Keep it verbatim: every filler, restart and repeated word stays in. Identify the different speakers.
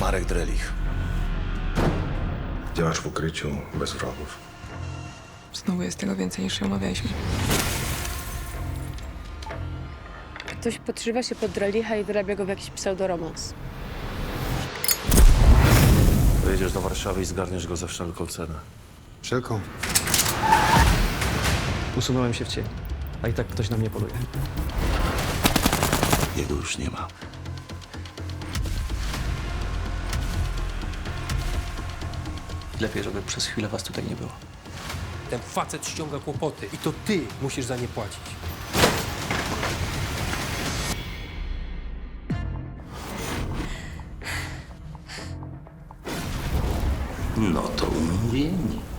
Speaker 1: Marek Drelich.
Speaker 2: Działasz w ukryciu, bez wrogów.
Speaker 3: Znowu jest tego więcej niż się umawialiśmy.
Speaker 4: Ktoś podszywa się pod Drelicha i wyrabia go w jakiś pseudoromans.
Speaker 1: Wyjedziesz do Warszawy i zgarniesz go za wszelką cenę.
Speaker 2: Wszelką.
Speaker 5: Usunąłem się w cień, a i tak ktoś na mnie poluje.
Speaker 1: Jego już nie ma.
Speaker 5: Lepiej, żeby przez chwilę was tutaj nie było.
Speaker 6: Ten facet ściąga kłopoty i to ty musisz za nie płacić.
Speaker 1: No to umówieni.